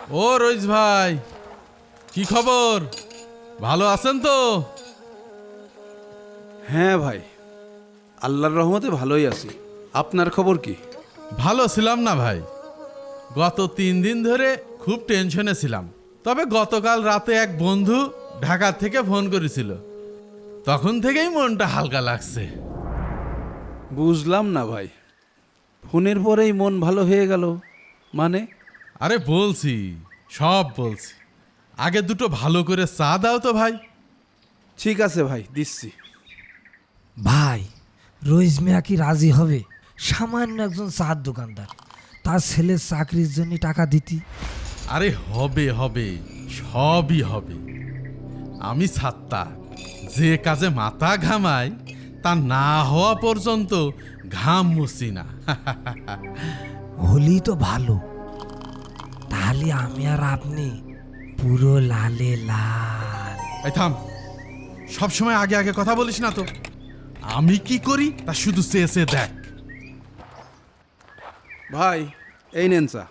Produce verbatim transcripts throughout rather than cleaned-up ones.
ও রইস ভাই, কি খবর? ভালো আছেন তো? হ্যাঁ ভাই, আল্লাহর রহমতে ভালোই আছি। আপনার খবর কি? ভালো ছিলাম না ভাই, গত তিন দিন ধরে খুব টেনশনে ছিলাম। তবে গতকাল রাতে এক বন্ধু ঢাকা থেকে ফোন করেছিল, তখন থেকেই মনটা হালকা লাগছে। বুঝলাম না ভাই, ফোনের পরেই মন ভালো হয়ে গেল মানে? আরে বলছি, সব বলছি। আগে দুটো ভালো করে চা দাও তো ভাই। ঠিক আছে ভাই, দিচ্ছি। ভাই, রইস মিয়া কি রাজি হবে? সামান্য একজন চার দোকানদার, তার ছেলের চাকরির জন্য টাকা দিতি। আরে হবে হবে, সবই হবে। আমি ছাত্তা, যে কাজে মাথা ঘামাই তা না হওয়া পর্যন্ত ঘাম মুছি না। হলি তো ভালো, তাহলে আমি আর আপনি পুরো লালে লাল। এই থাম, সবসময় আগে আগে কথা বলিস না তো। আমি কি করি তা শুধু চেয়ে চেয়ে দেখ। ভাই, এই নেন চা।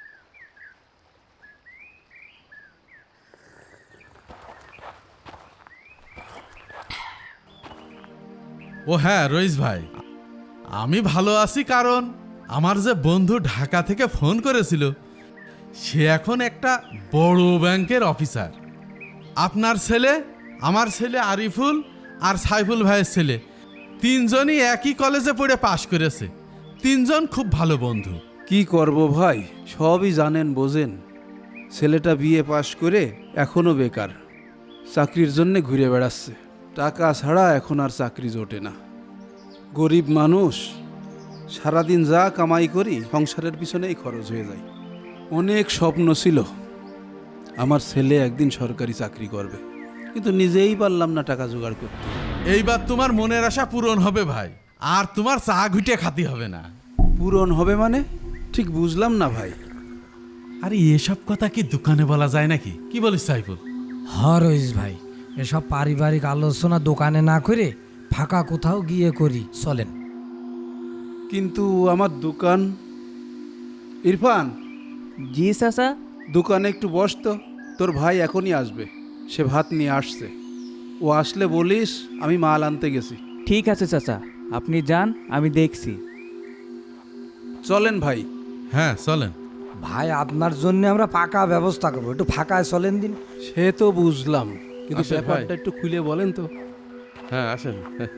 ও হ্যাঁ রইস ভাই, আমি ভালো আছি কারণ আমার যে বন্ধু ঢাকা থেকে ফোন করেছিল, সে এখন একটা বড় ব্যাংকের অফিসার। আপনার ছেলে, আমার ছেলে আরিফুল আর সাইফুল ভাইয়ের ছেলে তিনজনই একই কলেজে পড়ে পাশ করেছে। তিনজন খুব ভালো বন্ধু। কি করব ভাই, সবই জানেন বোঝেন। ছেলেটা বিএ পাশ করে এখনো বেকার, চাকরির জন্য ঘুরে বেড়াচ্ছে। টাকা ছাড়া এখন আর চাকরি জোটে না। গরিব মানুষ, সারাদিন যা কামাই করি সংসারের পিছনেই খরচ হয়ে যায়। অনেক স্বপ্ন ছিল আমার ছেলে একদিন সরকারি চাকরি করবে, কিন্তু নিজেই পারলাম না টাকা জোগাড় করতে। এইবার তোমার মনের আশা পূরণ হবে ভাই, আর তোমার চা ঘুটে খাতি হবে না। পূরণ হবে মানে? ঠিক বুঝলাম না ভাই। আরে এসব কথা কি দোকানে বলা যায় নাকি? কি বলিস সাইফুল? হ রইস ভাই, এসব পারিবারিক আলোচনা দোকানে না করে ফাঁকা কোথাও গিয়ে করি, চলেন। কিন্তু আমার দোকান। ইরফান, জি চাচা। দোকানে একটু বস তো, তোর ভাই এখনই আসবে। সে ভাত নিয়ে আসছে, ও আসলে বলিস আমি মাল আনতে গেছি। ঠিক আছে চাচা, আপনি যান, আমি দেখছি। চলেন ভাই। হ্যাঁ চলেন। ভাই, আপনার জন্য আমরা পাকা ব্যবস্থা করবো, একটু ফাঁকায় চলেন দিন। সে তো বুঝলাম, কিন্তু আসেন ভাই। ব্যাপারটা একটু খুলে বলেন তো। হ্যাঁ আসেন।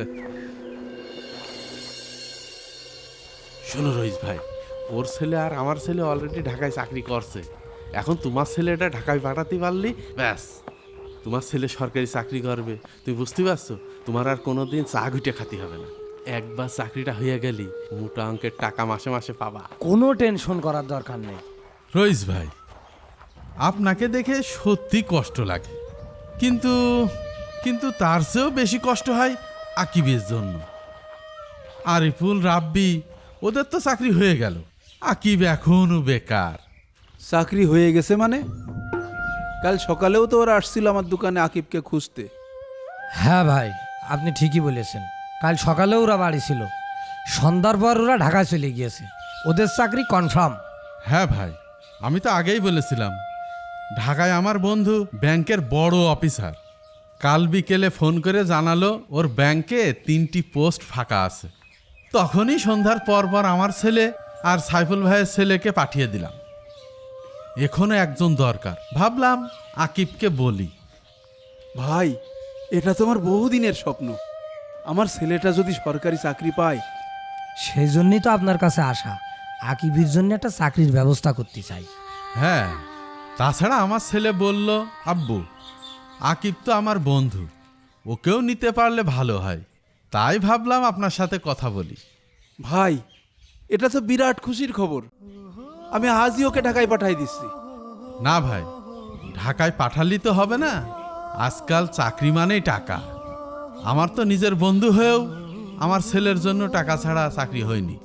শোনো রইস ভাই, ওর ছেলে আর আমার ছেলে অলরেডি ঢাকায় চাকরি করছে। এখন তোমার ছেলেটা ঢাকায় পাঠাতে পারলি ব্যাস, তোমার ছেলে সরকারি চাকরি করবে। তুমি বুঝতে পারছো? তোমার আর কোনোদিন চা ঘুটে খাতি হবে না। একবার চাকরিটা হয়ে গেলি মোটা অঙ্কের টাকা মাসে মাসে পাবা। কোনো টেনশন করার দরকার নেই। রইস ভাই, আপনাকে দেখে সত্যি কষ্ট লাগে, কিন্তু কিন্তু তার চেয়েও বেশি কষ্ট হয় আকিবের জন্য। আরিফুল, রাব্বি, ওদের তো চাকরি হয়ে গেল, আকিব এখনো বেকার। চাকরি হয়ে গেছে মানে? কাল সকালেও তো ওরা আসছিল আমার দোকানে আকিবকে খুঁজতে। হ্যাঁ ভাই, আপনি ঠিকই বলেছেন। কাল সকালেও ওরা বাড়ি ছিল, সন্ধ্যার পর ওরা ঢাকায় চলে গিয়েছে। ওদের চাকরি কনফার্ম। হ্যাঁ ভাই, আমি তো আগেই বলেছিলাম, ঢাকায় আমার বন্ধু ব্যাংকের বড় অফিসার। কাল বিকেলে ফোন করে জানালো ওর ব্যাংকে তিনটি পোস্ট ফাঁকা আছে। তখনই সন্ধ্যার পর পর আমার ছেলে আর সাইফুল ভাইয়ের ছেলেকে পাঠিয়ে দিলাম। এখনো একজন দরকার, ভাবলাম আকিবকে বলি। ভাই, এটা তো আমার বহুদিনের স্বপ্ন। আমার ছেলেটা যদি সরকারি চাকরি পায়। সেই জন্যই তো আপনার কাছে আসা, আকিবের জন্য একটা চাকরির ব্যবস্থা করতে চাই। হ্যাঁ, তাছাড়া আমার ছেলে বলল, আব্বু আকিব তো আমার বন্ধু, ওকেও নিতে পারলে ভালো হয়। তাই ভাবলাম আপনার সাথে কথা বলি। ভাই, এটা তো বিরাট খুশির খবর। আমি আজই ওকে ঢাকায় পাঠাই দিচ্ছি। না ভাই, ঢাকায় পাঠালি তো হবে না। আজকাল চাকরি মানেই টাকা। আমার তো নিজের বন্ধু হয়েও আমার ছেলের জন্য টাকা ছাড়া চাকরি হয়নি।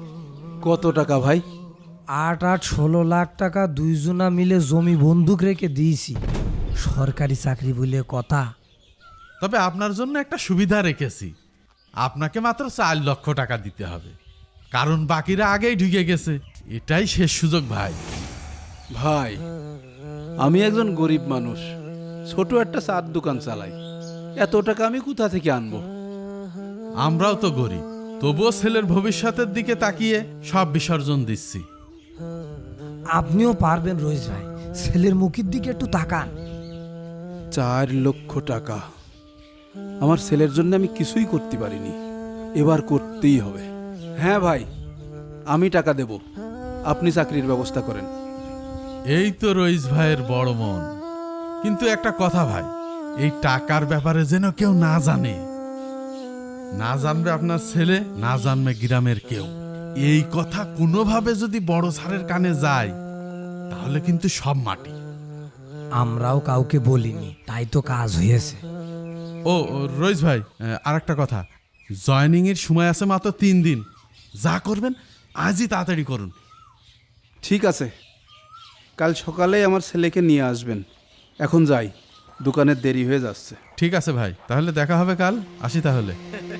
কত টাকা ভাই? আট আট ষোলো লাখ টাকা দুইজনা মিলে জমি বন্দুক রেখে দিয়েছি। সরকারি চাকরি বলে কথা। তবে আপনার জন্য একটা সুবিধা রেখেছি, আপনাকে মাত্র চার লক্ষ টাকা দিতে হবে, কারণ বাকিরা আগেই ঢুকে গেছে। এটাই শেষ সুযোগ ভাই। ভাই, আমি একজন গরিব মানুষ, ছোট একটা চার দোকান চালাই। এত টাকা আমি কোথা থেকে আনবো? আমরাও তো গরিব, তবুও ছেলের ভবিষ্যতের দিকে তাকিয়ে সব বিসর্জন দিচ্ছি। আপনিও পারবেন রইস ভাই, ছেলের মুখের দিকে একটু তাকান। চার লক্ষ টাকা আমার ছেলের জন্য আমি কিছুই করতে পারিনি, এবার করতেই হবে। হ্যাঁ ভাই, আমি টাকা দেব, আপনি চাকরির ব্যবস্থা করেন। এই তো রইস ভাইয়ের বড় মন। কিন্তু একটা কথা ভাই, এই টাকার ব্যাপারে যেন কেউ না জানে। না জানবে আপনার ছেলে, না জানবে গ্রামের কেউ। এই কথা কোনোভাবে যদি বড় স্যারের কানে যায়, তাহলে কিন্তু সব মাটি। আমরাও কাউকে বলিনি, তাই তো কাজ হয়েছে। ও ও, রইস ভাই, আর একটা কথা, জয়নিং এর সময় আছে মাত্র তিন দিন। যা করবেন আজই তাড়াতাড়ি করুন। ঠিক আছে, কাল সকালে আমার ছেলেকে নিয়ে আসবেন। এখন যাই, দোকানের দেরি হয়ে যাচ্ছে। ঠিক আছে ভাই, তাহলে দেখা হবে কাল। আসি তাহলে।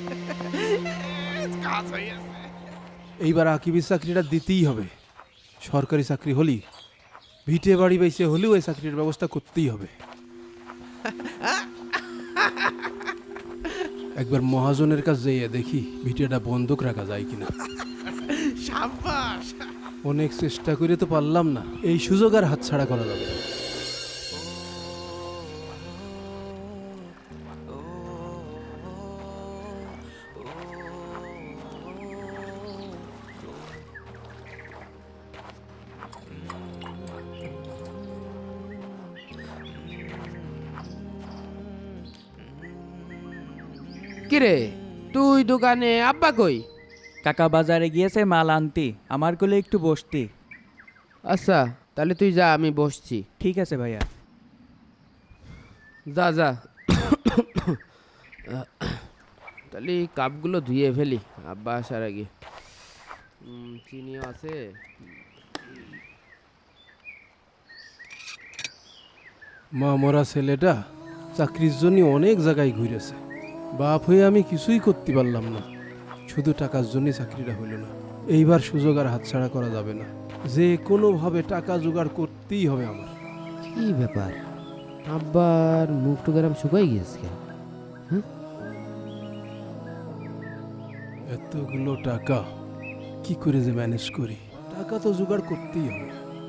এইবার আকিবের চাকরিটা দিতেই হবে। সরকারি চাকরি হলি ভিটে বাড়ি বাইসে হলেও এই চাকরির ব্যবস্থা করতেই হবে। একবার মহাজনের কাছে যেয়ে দেখি ভিটেটা বন্ধক রাখা যায় কিনা। অনেক চেষ্টা করে তো পারলাম না, এই সুযোগ আর হাতছাড়া করা যাবে না। কিরে তুই দোকানে, আব্বা কই? কাকা বাজারে গিয়েছে মাল আনতে, আমার কোলে একটু বসতে। আচ্ছা তাহলে তুই যা, আমি বসছি। ঠিক আছে ভাইয়া। যা যা। তাহলে এই কাপগুলো ধুয়ে ফেলি আব্বা আসার আগে। উম, চিনিও আছে। মা মরা ছেলেটা চাকরির জন্য অনেক জায়গায় ঘুরেছে। বাপ হয়ে আমি কিছুই করতে পারলাম না, শুধু টাকার জন্য চাকরিটা হইল না। এইবার সুযোগ আর হাতছাড়া করা যাবে না, যে কোনোভাবে টাকা জোগাড় করতেই হবে আমার। কি ব্যাপার, আব্বার মুখ টুকারাম শুকাই গিয়েছে কেন? এতগুলো টাকা কি করে যে ম্যানেজ করি? টাকা তো জোগাড় করতেই হবে।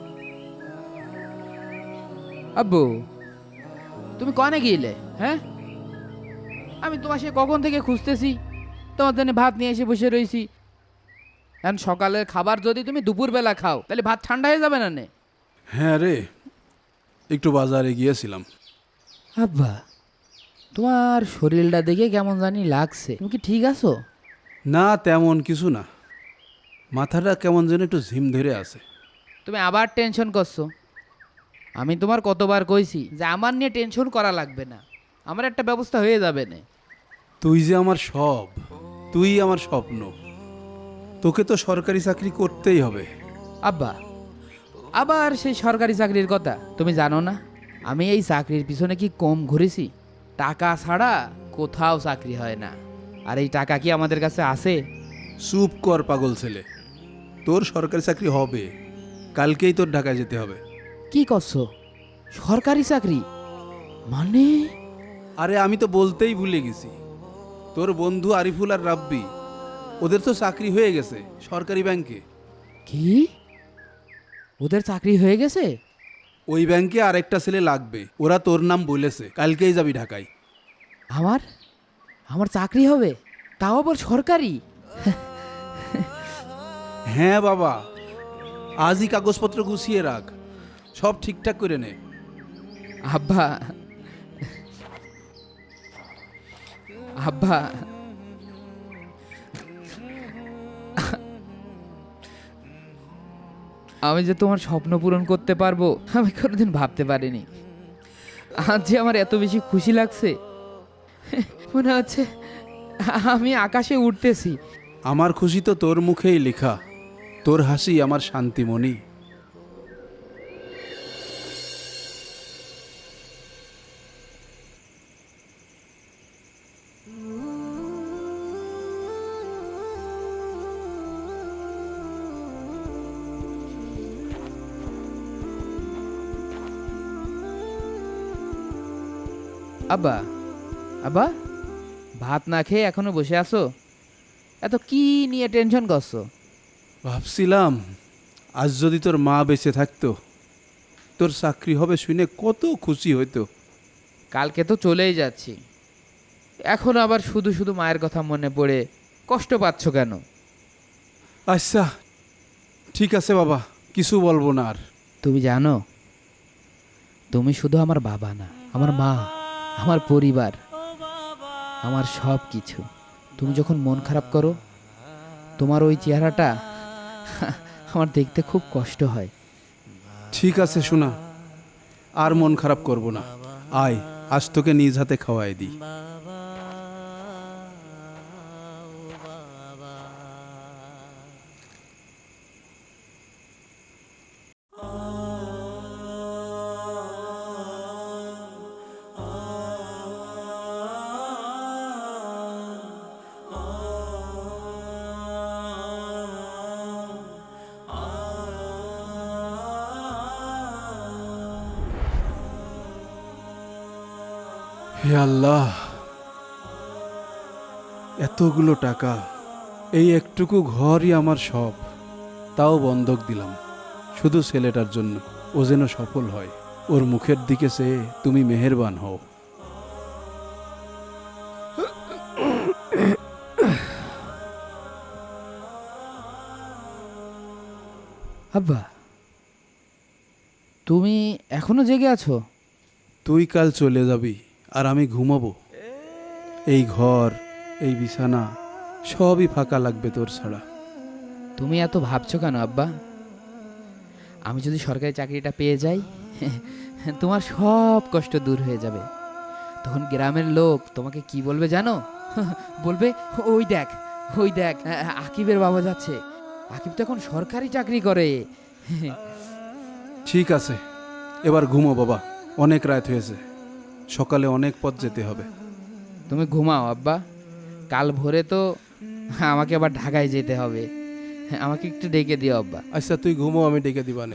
আব্বু তুমি কনে গিয়েলে? হ্যাঁ, আমি তোমার সে কখন থেকে খুঁজতেছি, তোমার জন্য ভাত নিয়ে এসে বসে রয়েছি। এখন সকালের খাবার যদি তুমি দুপুরবেলা খাও, তাহলে ভাত ঠান্ডা হয়ে যাবে না নে? হ্যাঁ রে, একটু বাজারে গিয়েছিলাম। আব্বা তোমার শরীরটা দেখে কেমন জানি লাগছে, তুমি কি ঠিক আছো? না তেমন কিছু না, মাথাটা কেমন যেন একটু ঝিম ধরে আছে। তুমি আবার টেনশন করছো। আমি তোমার কতবার কইছি যে আমার নিয়ে টেনশন করা লাগবে না, আমার একটা ব্যবস্থা হয়ে যাবে না। তুই যে আমার সব, তুই আমার স্বপ্ন, তোকে তো সরকারি চাকরি করতেই হবে। আব্বা আবার সেই সরকারি চাকরির কথা তুমি জানো না? আমি এই চাকরির পিছনে কি কম ঘুরেছি? টাকা ছাড়া কোথাও চাকরি হয় না। আর এই টাকা কি আমাদের কাছে আছে? চুপ কর পাগল ছেলে, তোর সরকারি চাকরি হবে, কালকেই তোর ঢাকায় যেতে হবে। কি করছো? সরকারি চাকরি মানে? আরে আমি তো বলতেই ভুলে গেছি, তোর বন্ধু আরিফুল আর রাব্বি, ওদের তো চাকরি হয়ে গেছে সরকারি ব্যাংকে। কি ওদের চাকরি হয়ে গেছে? ওই ব্যাংকে আরেকটা ছেলে লাগবে, ওরা তোর নাম বলেছে, কালকেই যাবি ঢাকায়। আমার আমার চাকরি হবে, তাও আবার সরকারি? হ্যাঁ বাবা, আজই কাগজপত্র গুছিয়ে রাখ, সব ঠিকঠাক করে নে। আব্বা আব্বা আমি যে তোমার স্বপ্ন পূরণ করতে পারবো আমি কোনোদিন ভাবতে পারিনি। আজ যে আমার এত বেশি খুশি লাগছে, মনে হচ্ছে আমি আকাশে উঠতেছি। আমার খুশি তো তোর মুখেই লেখা, তোর হাসি আমার শান্তিমণি। আব্বা আব্বা ভাত না খেয়ে এখনো বসে আছো? এত কি নিয়ে টেনশন করছো? ভাবছিলাম আজ যদি তোর মা বেঁচে থাকতো, তোর চাকরি হবে শুনে কত খুশি হইতো। কালকে তো চলেই যাচ্ছি, এখন আবার শুধু শুধু মায়ের কথা মনে পড়ে কষ্ট পাচ্ছ কেন? আচ্ছা ঠিক আছে বাবা, কিছু বলবো না আর। তুমি জানো, তুমি শুধু আমার বাবা না, আমার মা, আমার পরিবার, আমার সব কিছু। তুমি যখন মন খারাপ করো, তোমার ওই চেহারাটা আমার দেখতে খুব কষ্ট হয়। ঠিক আছে শোনা, আর মন খারাপ করব না। আয় আজ তোকে নিজ হাতে খাওয়াই দিই। হে আল্লাহ, এতগুলো টাকা, এই একটুকু ঘরই আমার সব, তাও বন্ধক দিলাম শুধু ছেলেটার জন্য। ও যেন সফল হয়, ওর মুখের দিকে চেয়ে তুমি মেহেরবান হও। আব্বা, তুমি এখনো জেগে আছো? তুই কাল চলে যাবি আর আমি ঘুমাবো। এই ঘর, এই বিছানা সবই ফাঁকা লাগবে তোর ছাড়া। তুমি এত ভাবছো কেন আব্বা? আমি যদি সরকারি চাকরিটা পেয়ে যাই, তোমার সব কষ্ট দূর হয়ে যাবে। তখন গ্রামের লোক তোমাকে কি বলবে জানো? বলবে, ওই দেখ, ওই দেখ, আকিবের বাবা যাচ্ছে। আকিব তো এখন সরকারি চাকরি করে। ঠিক আছে, এবার ঘুমো বাবা, অনেক রাত হয়েছে, সকালে অনেক পথ যেতে হবে। তুমি ঘুমাও আব্বা, কাল ভোরে তো আমাকে আবার ঢাকায় যেতে হবে। আমাকে একটু ডেকে দিও আব্বা। আচ্ছা তুই ঘুমো, আমি ডেকে দিবানে।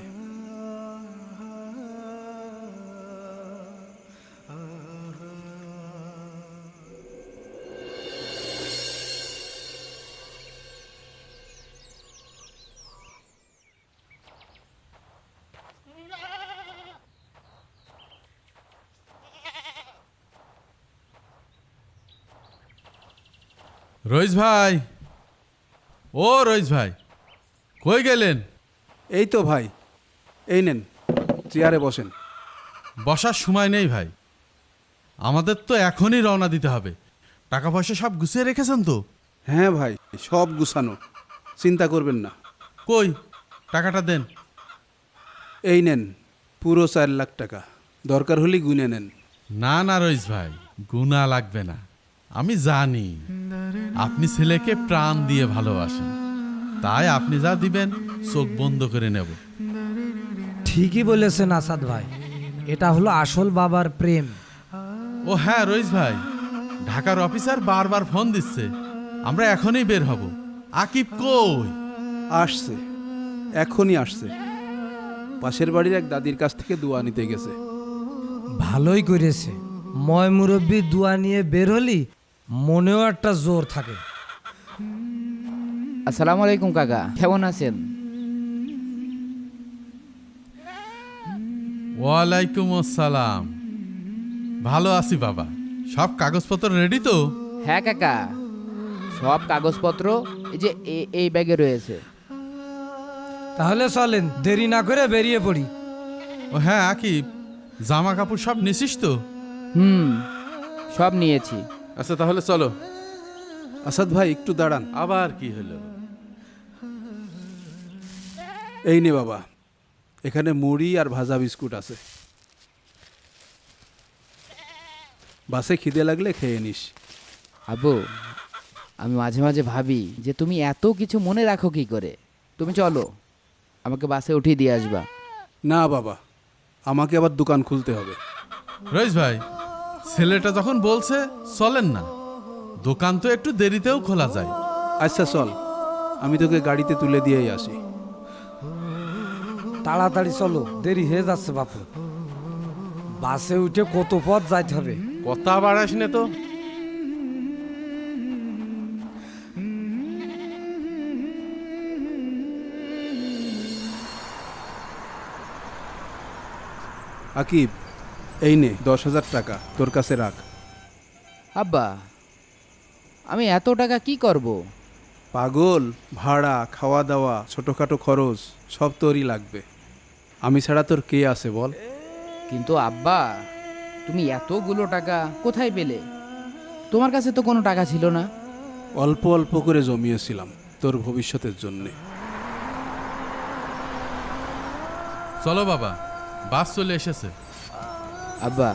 রইস ভাই, ও রইস ভাই, কই গেলেন? এই তো ভাই, এই নেন, চেয়ারে বসেন। বসার সময় নেই ভাই, আমাদের তো এখনই রওনা দিতে হবে। টাকা পয়সা সব গুছিয়ে রেখেছেন তো? হ্যাঁ ভাই, সব গুছানো, চিন্তা করবেন না। কই টাকাটা দেন। এই নেন, পুরো চার লাখ টাকা, দরকার হলে গুনে নেন। না না রইস ভাই, গুণা লাগবে না। আমি জানি আপনি ছেলেকে প্রাণ দিয়ে ভালোবাসেন, তাই আপনি যা দিবেন চোখ বন্ধ করে নেব। ঠিকই বলেছেন আসাদ ভাই, এটা হলো আসল বাবার প্রেম। ও হ্যাঁ রইস ভাই, ঢাকার অফিসার বারবার ফোন দিচ্ছে, আমরা এখনই বের হব। আকিব কই? আসছে, এখনই আসছে, পাশের বাড়ির এক দাদির কাছ থেকে দোয়া নিতে গেছে। ভালোই করেছে, ময় মুরব্বী দোয়া নিয়ে বের হলি মনেও একটা জোর থাকে। আসসালামু আলাইকুম কাকা, কেমন আছেন? ওয়ালাইকুম আসসালাম, ভালো আছি বাবা। সব কাগজপত্র রেডি তো? হ্যাঁ কাকা, সব কাগজপত্র এই যে এ- এই ব্যাগে রয়েছে। তাহলে চলেন, দেরি না করে বেরিয়ে পড়ি। ও হ্যাঁ আকিব, জামা কাপড় সব নিছিস তো? হুম, সব নিয়েছি। আচ্ছা তাহলে চলো। আসাদ ভাই একটু দাঁড়ান। আবার কি হলো? এই নে বাবা, এখানে মুড়ি আর ভাজা বিস্কুট আছে, বাসে খিদে লাগলে খেয়ে নিস। আব্বু, আমি মাঝে মাঝে ভাবি যে তুমি এত কিছু মনে রাখো কি করে। তুমি চলো, আমাকে বাসে উঠিয়ে দিয়ে আসবা। না বাবা, আমাকে আবার দোকান খুলতে হবে। রইস ভাই, ছেলেটা যখন বলছে চলেন না, দোকান তো একটু দেরিতেও খোলা যায়। আচ্ছা চল, আমি তোকে গাড়িতে তুলে দিয়েই আসি। তাড়াতাড়ি চলো, দেরি হয়ে যাচ্ছে বাপু। বাসে উঠে কত পথ যাইতে হবে, কথা বাড়াস নে তো। আকিব, এই নে দশ হাজার টাকা, তোর কাছে রাখ। আব্বা, আমি এত টাকা কি করব? পাগল, ভাড়া, খাওয়া দাওয়া, ছোটোখাটো খরচ সব তোরই লাগবে। আমি ছাড়া তোর কে আছে বল? কিন্তু আব্বা, তুমি এতগুলো টাকা কোথায় পেলে? তোমার কাছে তো কোনো টাকা ছিল না। অল্প অল্প করে জমিয়েছিলাম তোর ভবিষ্যতের জন্যে। চলো বাবা, বাস চলে এসেছে। আব্বা,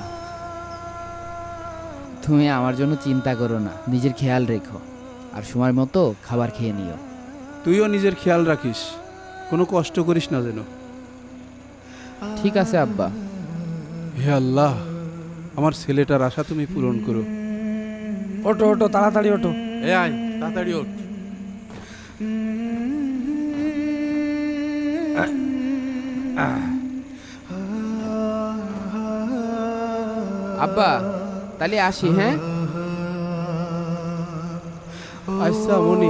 তুমি আমার জন্য চিন্তা করো না, নিজের খেয়াল রেখো আর সময় মতো খাবার খেয়ে নিও। তুইও নিজের খেয়াল রাখিস, কোনো কষ্ট করিস না যেন। ঠিক আছে আব্বা। হে আল্লাহ, আমার ছেলেটার আশা তুমি পূরণ করো। ওটো ওটো তাড়াতাড়ি ওটো। এ আয়, তাড়াতাড়ি ওঠ। আব্বা, তাহলে আসি, হ্যাঁ? আচ্ছা মনি।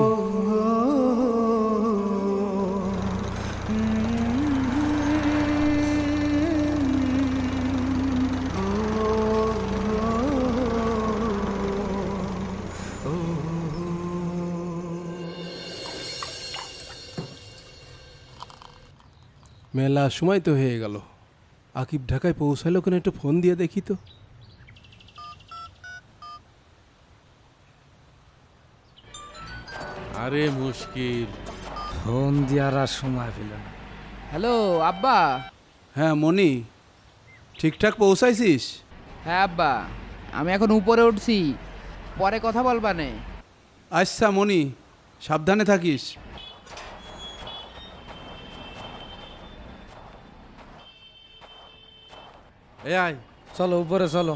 মেলা সময় তো হয়ে গেল। আকিব ঢাকায় পৌঁছালো কেন, একটু ফোন দিয়ে দেখি তো। আরে মুশকিল। ফোন দেওয়ার আর সময় পেল না। হ্যালো আব্বা। হ্যাঁ মনি, ঠিকঠাক পৌঁছাইছিস? হ্যাঁ আব্বা, আমি এখন উপরে উঠছি, পরে কথা বলবা নে। আচ্ছা মনি, সাবধানে থাকিস। এ আয়। চলো উপরে চলো।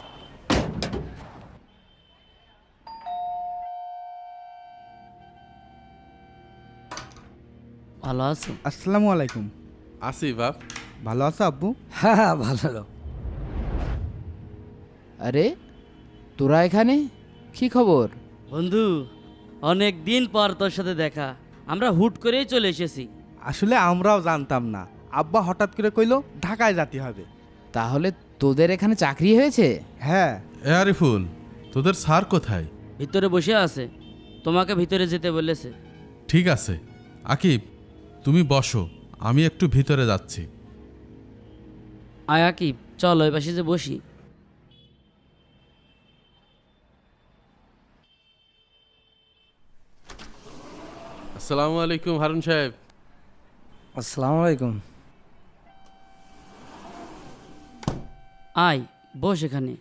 ভালো আছো? আসসালামু আলাইকুম। আসি বাপ। ভালো আছো আব্বু? হ্যাঁ হ্যাঁ ভালো। আরে তোরা এখানে, কি খবর? বন্ধু, অনেক দিন পর তোর সাথে দেখা। আমরা হুট করেই চলে এসেছি। আসলে আমরাও জানতাম না, আব্বা হঠাৎ করে কইলো ঢাকায় যেতে হবে। তাহলে তোদের এখানে চাকরি হয়েছে? হ্যাঁ। এ আরিফুল, তোদের স্যার কোথায়? ভিতরে বসে আছে, তোমাকে ভিতরে যেতে বলেছে। ঠিক আছে আকিব, তুমি বসো, আমি একটু ভিতরে যাচ্ছি। আয়া কি, চল ওই পাশে যে বসি। আসসালামু আলাইকুম হারুন সাহেব। আসসালামু আলাইকুম। আয় বস এখানে।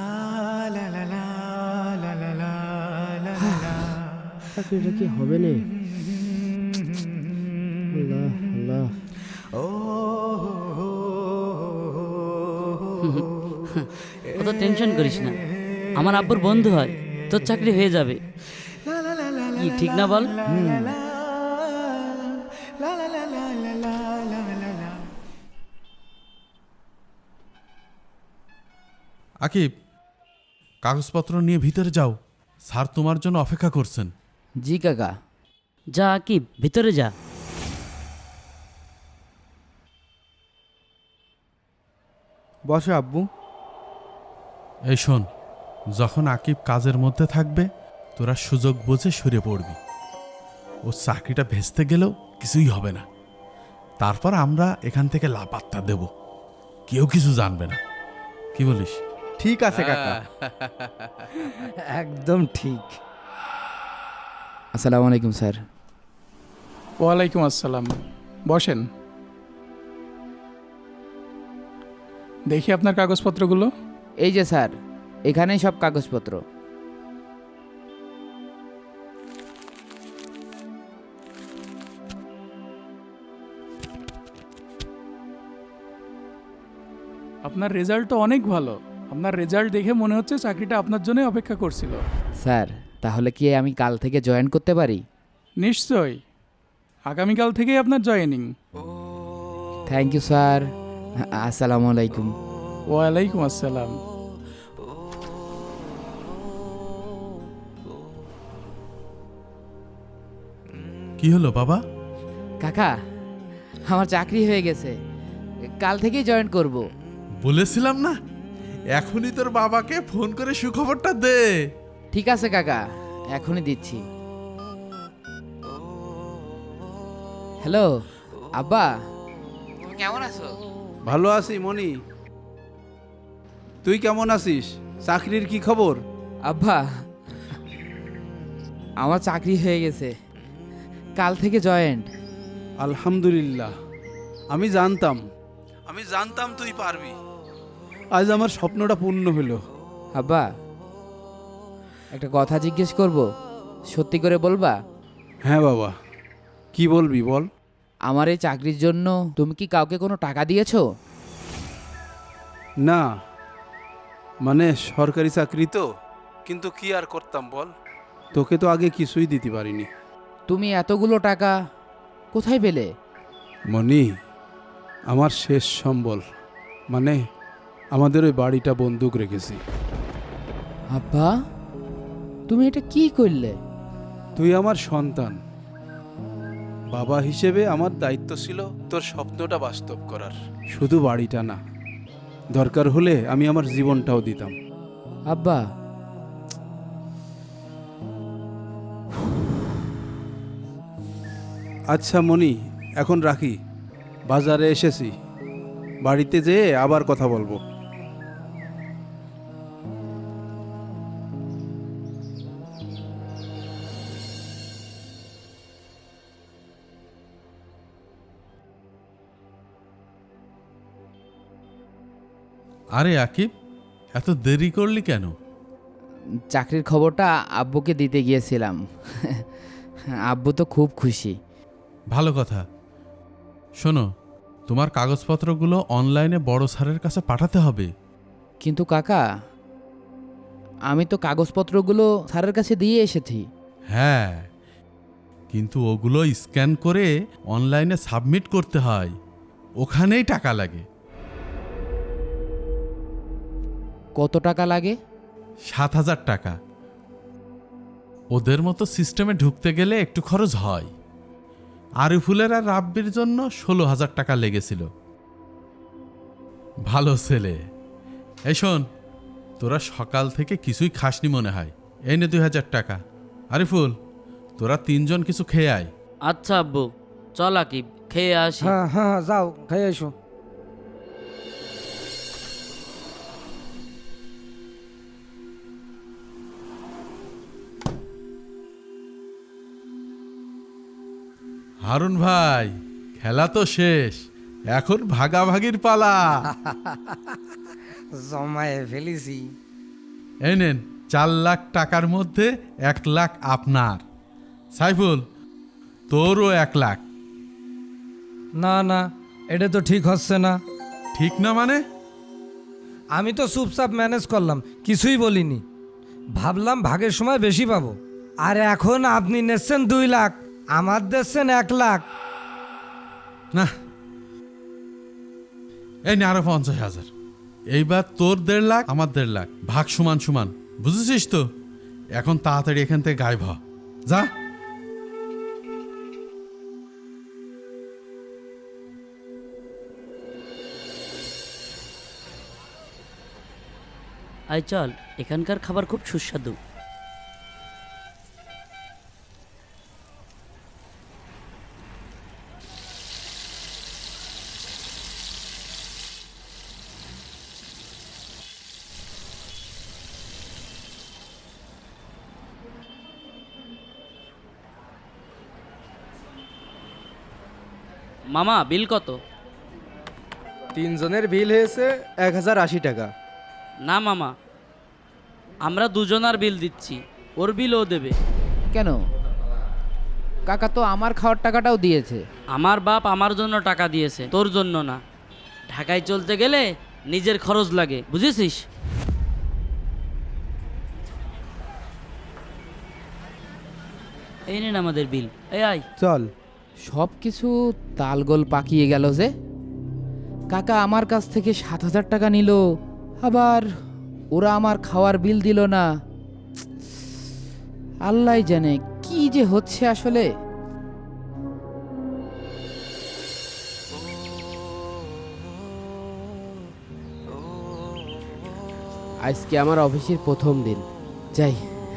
চাকরিটা কি হবে না? আল্লাহ আল্লাহ। অত টেনশন করিস না, আমার আব্বুর বন্ধু হয়, তোর চাকরি হয়ে যাবে। কি ঠিক না বল? আকিব, কাগজপত্র নিয়ে ভিতরে যাও, স্যার তোমার জন্য অপেক্ষা করছেন। জি কাকা। যা কি, ভিতরে যা। বসো আব্বু। এই শোন, যখন আকিব কাজের মধ্যে থাকবে তোরা সুযোগ বুঝে সরে পড়বি। ও চাকরিটা ভেস্তে গেলেও কিছুই হবে না। তারপর আমরা এখান থেকে লাপাত্তা দেব, কেউ কিছু জানবে না। কি বলিস? ঠিক আছে কাকা। একদম ঠিক। আসসালামু আলাইকুম স্যার। ওয়ালাইকুম আসসালাম, বসেন। দেখি আপনার কাগজপত্রগুলো। এই যে স্যার, এখানেই সব কাগজপত্র। আপনার রেজাল্ট তো অনেক ভালো। আপনার রেজাল্ট দেখে মনে হচ্ছে চাকরিটা আপনার জন্যই অপেক্ষা করছিল। স্যার, তাহলে কি আমি কাল থেকে জয়েন করতে পারি? নিশ্চয়ই, আগামীকাল থেকেই আপনার জয়েনিং। Thank you sir. আসসালামু আলাইকুম। ওয়ালাইকুম আসসালাম। কি হলো বাবা? কাকা, আমার চাকরি হয়ে গেছে, কাল থেকেই জয়েন করব। বলেছিলাম না, এখনই তোর বাবাকে ফোন করে সুখবরটা দে। ঠিক আছে কাকা, এখনই দিচ্ছি। হ্যালো আব্বা, তুমি কেমন আছো? ভালো আছি মনি, তুই কেমন আছিস? চাকরির কি খবর? আব্বা, আমার চাকরি হয়ে গেছে, কাল থেকে জয়েন্ট। আলহামদুলিল্লাহ। আমি জানতাম আমি জানতাম তুই পারবি। আজ আমার স্বপ্নটা পূর্ণ হলো। আব্বা, একটা কথা জিজ্ঞেস করব, সত্যি করে বলবা? হ্যাঁ বাবা, কি বলবি বল। আমার এই চাকরির জন্য তুমি কি কাউকে কোনো টাকা দিয়েছো? না, মানে সরকারি চাকরি তো, কিন্তু কি আর করতাম বল, তোকে তো আগে কিছুই দিতে পারিনি। তুমি এতগুলো টাকা কোথায় পেলে? মনি, আমার শেষ সম্বল, মানে আমাদের ওই বাড়িটা বন্দুক রেখেছি। আব্বা, তুমি এটা কি করলে? তুই আমার সন্তান, বাবা হিসেবে আমার দায়িত্ব ছিল তোর স্বপ্নটা বাস্তব করার, শুধু বাড়িটা না, দরকার হলে আমি আমার জীবনটাও দিতাম। আব্বা, আচ্ছা মনি, এখন রাখি, বাজারে এসেছি, বাড়িতে যেয়ে আবার কথা বলবো। আরে আকিব, এত দেরি করলি কেন? চাকরির খবরটা আব্বুকে দিতে গিয়েছিলাম। আব্বু তো খুব খুশি। ভালো কথা। শোনো, তোমার কাগজপত্রগুলো অনলাইনে বড় স্যারের কাছে পাঠাতে হবে। কিন্তু কাকা, আমি তো কাগজপত্রগুলো স্যারের কাছে দিয়ে এসেছি। হ্যাঁ, কিন্তু ওগুলো স্ক্যান করে অনলাইনে সাবমিট করতে হয়, ওখানেই টাকা লাগে। কত টাকা লাগে? সাত হাজার টাকা। ওদের মতো সিস্টেমে ঢুকতে গেলে একটু খরচ হয়। আরিফুলের আর রাব্বির জন্য ষোলো হাজার টাকা লেগেছিল। ভালো ছেলে। এই শোন, তোরা সকাল থেকে কিছুই খাসনি মনে হয়, এই নে দুই হাজার টাকা। আরিফুল, তোরা তিনজন কিছু খেয়ে আয়। আচ্ছা আব্বু, চল আকিব, খেয়ে আসি। হ্যাঁ হ্যাঁ, যাও খেয়ে এসো। হারুন ভাই, খেলা তো শেষ, এখন ভাগাভাগির পালা। জমায়ে ফেলেছি। এই নেন, চার লাখ টাকার মধ্যে এক লাখ আপনার। সাইফুল, তোরও এক লাখ। না না, এটা তো ঠিক হচ্ছে না। ঠিক না মানে? আমি তো চুপচাপ ম্যানেজ করলাম, কিছুই বলিনি। ভাবলাম ভাগের সময় বেশি পাবো, আর এখন আপনি নিচ্ছেন দুই লাখ, আমার দিচ্ছেন এক লাখ। না, এই নে আরো পঞ্চাশ হাজার। এইবার তোর দেড় লাখ, আমার দেড় লাখ, ভাগ সমান সমান, বুঝেছিস তো? এখন তাড়াতাড়ি এখান থেকে গায়েব হ, যা। আয় চল, এখানকার খাবার খুব সুস্বাদু। মামা, বিল কত? তিনজনের বিল হয়েছে এক হাজার আশি টাকা। না মামা, আমরা দুজনার বিল দিচ্ছি, ওর বিল ও দেবে। কেন? কাকা তো আমার খাওয়ার টাকাটাও দিয়েছে। আমার বাপ আমার জন্য টাকা দিয়েছে, তোর জন্য না। ঢাকায় চলতে গেলে নিজের খরচ লাগে, বুঝেছিস? এই নেন আমাদের বিল, এই আয়। চল। সব কিছু তালগোল পাকিয়ে গেল যে। কাকা আমার কাছ থেকে সাত হাজার টাকা নিল, আবার ওরা আমার খাওয়ার বিল দিল না। আল্লাহ জানে কি যে হচ্ছে আসলে। আজকে আমার অফিসের প্রথম দিন, যাই।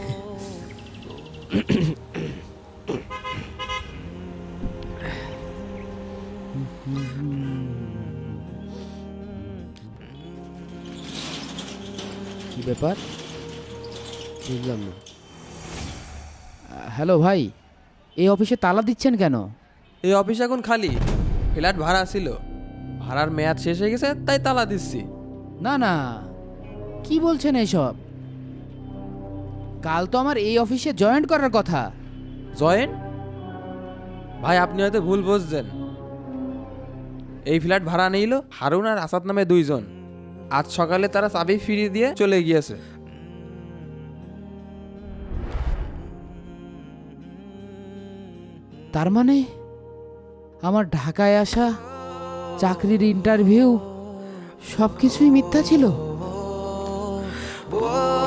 কি ব্যাপার বুঝলাম না। হ্যালো ভাই, এই অফিসে তালা দিচ্ছেন কেন? এই অফিস এখন খালি, ফ্ল্যাট ভাড়া ছিল, ভাড়ার মেয়াদ শেষ হয়ে গেছে তাই তালা দিচ্ছি। না না, কি বলছেন এসব? কাল তো আমার এই অফিসে জয়েন্ট করার কথা। জয়েন ভাই, আপনি হয়তো ভুল বুঝছেন। এই ফ্ল্যাট ভাড়া নিল হারুন আর আসাদ নামে দুইজন। আজ সকালে তারা চাবি ফিরিয়ে দিয়ে চলে গিয়েছে। তার মানে আমার ঢাকায় আসা, চাকরির ইন্টারভিউ সব কিছুই মিথ্যা ছিল।